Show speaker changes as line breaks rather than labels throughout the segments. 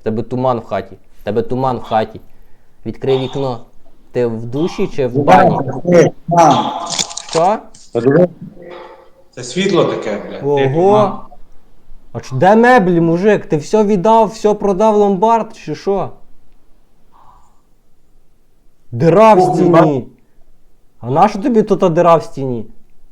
Тебе туман в хаті. Тебе туман в хаті. Відкрий вікно. Ти в душі чи в бані? Що?
Це світло таке, блядь.
Ого! А де меблі, мужик? Ти все віддав, все продав в ломбард, чи що? Дира в стіні. А нащо тобі тут дира в стіні?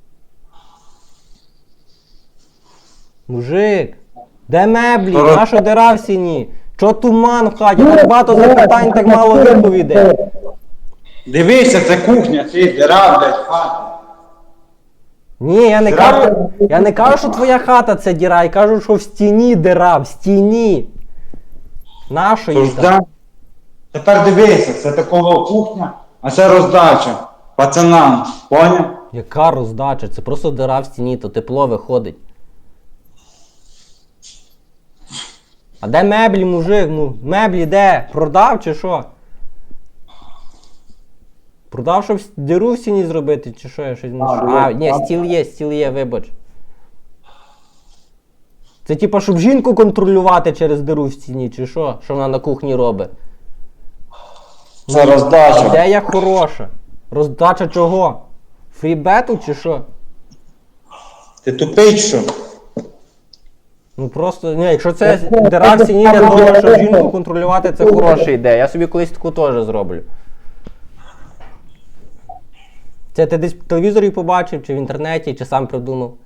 Мужик, де меблі? Нащо дира в стіні? Чо туман в хаті? Так багато запитань, так мало відповідей.
Дивися, це кухня, це дира, блядь, хата.
Ні, я не кажу, що твоя хата це діра, я кажу, що в стіні дира, в стіні. Нащо їй там?
Тепер дивися, це такого кухня, а це роздача. Пацанам, поняв?
Яка роздача? Це просто дира в стіні, то тепло виходить. А де меблі, мужик? Ну, меблі де? Продав чи що? Продав, щоб диру в стіні зробити, чи що я щось не шо? А, ні, стіл є, вибач. Це типа, щоб жінку контролювати через диру в стіні, чи що? Що вона на кухні робить?
Це роздача.
Ідея хороша. Роздача чого? Фрібету чи що?
Ти тупий, що?
Ну просто, ні, якщо це дира в стіні, я думаю, що жінку контролювати це хороша ідея. Я собі колись таку теж зроблю. Це ти десь в телевізорі побачив, чи в інтернеті, чи сам придумав?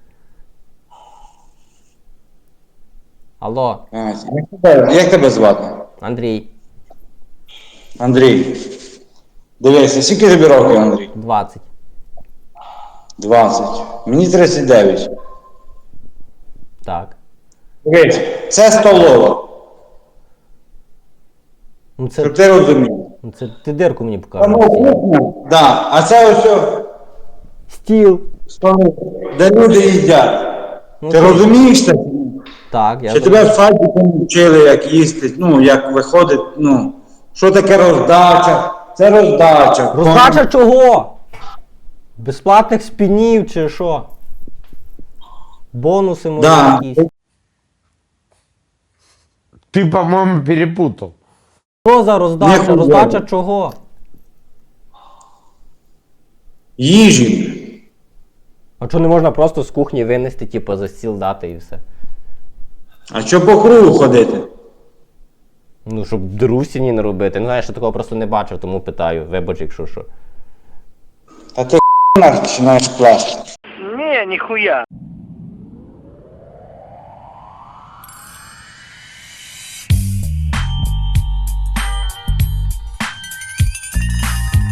Алло,
Як тебе звати?
Андрій,
Андрій. Дивися, скільки тобі років, Андрій?
20.
20. Мені 39.
Так.
Дивись, це столова.
Ну це,
Щоб ти розумів.
ну, це ти дирку мені
Там
покажеш.
кухня. Да. А це ось
Стіл.
столова, де люди їдять.
Ну,
Ти розумієш це?
Так, я
Чи тебе в садіку вчили, як їсти, ну, як виходить, ну, що таке роздача? Це роздача.
Роздача чого? Безплатних спінів чи що? Бонуси може
Да.
якісь.
Ты, по-моему, перепутал.
Що за роздача?
Ніхуя.
Роздача чого?
Їжі.
А чого не можна просто з кухні винести, типу, за стіл дати і все?
А що по кругу ходити?
Ну, щоб диру в стіні не робити. Ну, знаєш, я такого просто не бачив, тому питаю. Вибач, якщо що.
Та ти починаєш пласти.
Не, нихуя.